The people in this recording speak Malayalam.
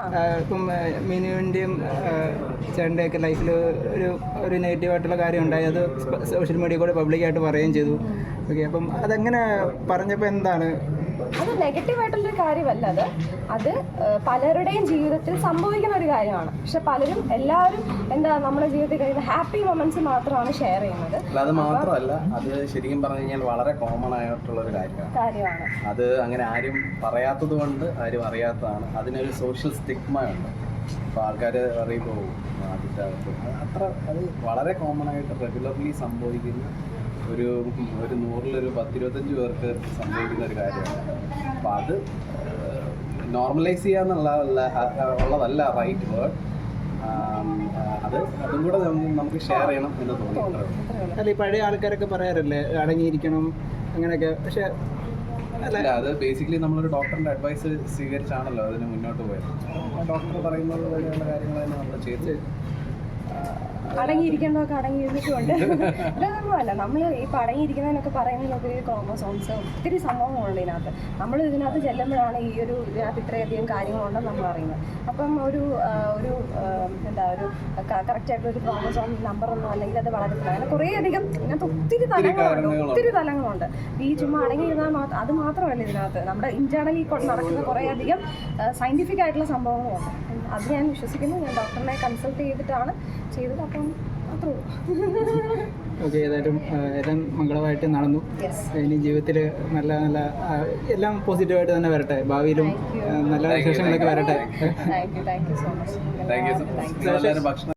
ഇപ്പം മീനുവിൻ്റെയും ചേട്ടൻ്റെയൊക്കെ ലൈഫിൽ ഒരു നെഗറ്റീവായിട്ടുള്ള കാര്യം ഉണ്ടായി, അത് സോഷ്യൽ മീഡിയ കൂടെ പബ്ലിക്കായിട്ട് പറയുകയും ചെയ്തു. ഓക്കെ, അപ്പം അതെങ്ങനെ പറഞ്ഞപ്പോൾ എന്താണ്? അത് നെഗറ്റീവായിട്ടുള്ളൊരു കാര്യമല്ല, അത് പലരുടെയും ജീവിതത്തിൽ സംഭവിക്കുന്ന ഒരു കാര്യമാണ്. പക്ഷെ പലരും എല്ലാവരും നമ്മുടെ ജീവിതത്തിൽ കഴിയുന്ന ഹാപ്പി മൊമെന്റ്സ് മാത്രമാണ് ഷെയർ ചെയ്യുന്നത്. അത് മാത്രമല്ല, അത് ശരിക്കും പറഞ്ഞു കഴിഞ്ഞാൽ വളരെ കോമൺ ആയിട്ടുള്ള ഒരു കാര്യമാണ്. അത് അങ്ങനെ ആരും പറയാത്തത് കൊണ്ട് ആരും അറിയാത്തതാണ്. അതിനൊരു സോഷ്യൽ സ്റ്റിഗ്മ ഉണ്ട്. അപ്പോൾ ആൾക്കാർ അറിയുമ്പോൾ അതിൻ്റെ അത്ര അത് വളരെ കോമൺ ആയിട്ട് റെഗുലർലി സംഭവിക്കുന്ന ഒരു 100-ൽ 10-25 പേർക്ക് സംഭവിക്കുന്ന ഒരു കാര്യമാണ്. അപ്പോൾ അത് നോർമലൈസ് ചെയ്യാന്നുള്ളതല്ല റൈറ്റ് വേർഡ്. അതും കൂടെ നമുക്ക് ഷെയർ ചെയ്യണം എന്ന് തോന്നുന്നു. അല്ല, ഈ പഴയ ആൾക്കാരൊക്കെ പറയാറില്ലേ അടങ്ങിയിരിക്കണം അങ്ങനെയൊക്കെ, പക്ഷെ അല്ല, അത് ബേസിക്കലി നമ്മളൊരു ഡോക്ടറിൻ്റെ അഡ്വൈസ് സ്വീകരിച്ചാണല്ലോ അതിന് മുന്നോട്ട് പോയത്. ഡോക്ടർ പറയുന്നത് പോലെയുള്ള കാര്യങ്ങൾ തന്നെ നമ്മൾ ചെയ്ത് അടങ്ങിയിരിക്കേണ്ടതൊക്കെ അടങ്ങിയിരുന്നിട്ടുണ്ട്. ഇതൊന്നുമല്ല, നമ്മൾ ഈ അടങ്ങിയിരിക്കുന്നതിനൊക്കെ പറയുന്നതിനൊക്കെ ക്രോമോസോംസ് ഒത്തിരി സംഭവങ്ങളുണ്ട് ഇതിനകത്ത്. നമ്മൾ ഇതിനകത്ത് ചെല്ലുമ്പോഴാണ് ഇതിനകത്ത് ഇത്രയധികം കാര്യങ്ങളുണ്ടെന്ന് നമ്മൾ അറിയുന്നത്. അപ്പം ഒരു കറക്റ്റായിട്ടൊരു ക്രോമോസോം നമ്പറൊന്നും അല്ലെങ്കിൽ അത് വളരത്തില്ല. അങ്ങനെ കുറേയധികം ഇതിനകത്ത് ഒത്തിരി തലങ്ങളുണ്ട്. ഈ ചുമ്മാ അടങ്ങിയിരുന്നാൽ അത് മാത്രമല്ല, ഇതിനകത്ത് നമ്മുടെ ഇന്റേണലി നടക്കുന്ന കുറേയധികം സയൻറ്റിഫിക് ആയിട്ടുള്ള സംഭവങ്ങളുണ്ട്. അത് ഞാൻ വിശ്വസിക്കുന്നു. ഞാൻ ഡോക്ടറിനെ കൺസൾട്ട് ചെയ്തിട്ടാണ് ചെയ്തത്. അപ്പം അത്രേ ഉള്ളൂ. ഓക്കെ, ഏതായാലും എല്ലാം മംഗളമായിട്ട് നടന്നു. ഇനി ജീവിതത്തിൽ നല്ല നല്ല എല്ലാം പോസിറ്റീവായിട്ട് തന്നെ വരട്ടെ, ഭാവിയിലും നല്ല വിശേഷങ്ങളൊക്കെ വരട്ടെ. Thank you so much. ഭക്ഷണം